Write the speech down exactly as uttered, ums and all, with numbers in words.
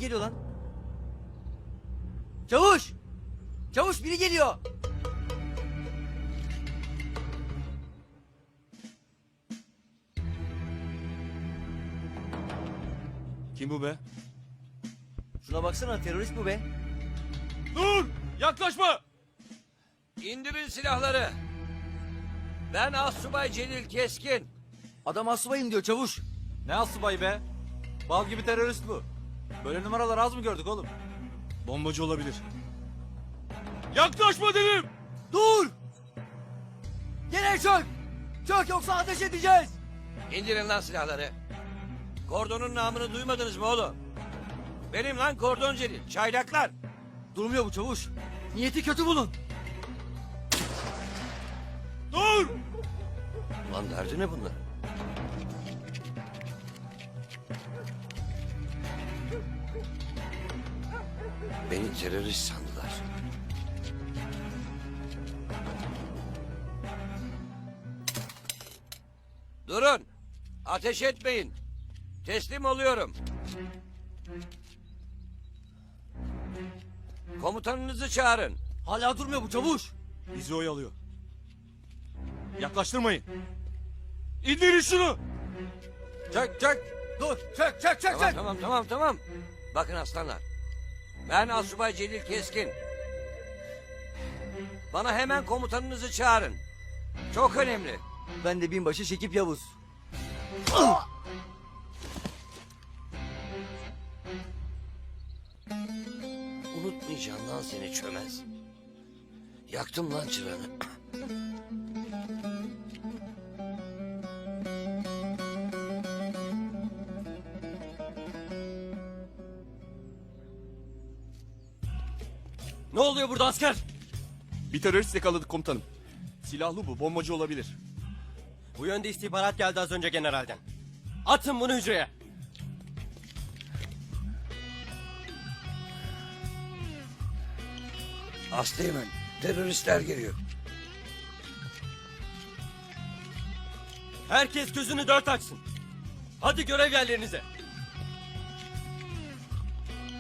geliyor lan. Çavuş! Çavuş biri geliyor. Kim bu be? Şuna baksana, terörist bu be. Dur! Yaklaşma! İndirin silahları. Ben Assubay Celil Keskin. Adam asubayım diyor çavuş. Ne asubayı be? Bal gibi terörist bu. Böyle numaralar az mı gördük oğlum? Bombacı olabilir. Yaklaşma dedim! Dur! Gene çök! Çök yoksa ateş edeceğiz! İndirin lan silahları. Kordonun namını duymadınız mı oğlum? Benim lan Kordon Celil. Çaylaklar. Durmuyor bu çavuş. Niyeti kötü bunun. Dur! Lan derdi ne bunlar? Beni terörist sandılar. Durun. Ateş etmeyin. Teslim oluyorum. Komutanınızı çağırın. Hala durmuyor bu çavuş. Bizi oyalıyor. Yaklaştırmayın. İndirin şunu! Çök çök. Dur! Çök çök çök Tamam çök! tamam tamam tamam. Bakın aslanlar. Ben Assubay Celil Keskin. Bana hemen komutanınızı çağırın. Çok önemli. Ben de binbaşı Şekip Yavuz. Unutmayacağım lan seni çömez. Yaktım lan çıranı. Ne oluyor burada asker? Bir terörist yakaladık komutanım. Silahlı bu, bombacı olabilir. Bu yönde istihbarat geldi az önce generalden. Atın bunu hücreye. Aslıyemen, teröristler geliyor. Herkes gözünü dört açsın. Hadi görev yerlerinize.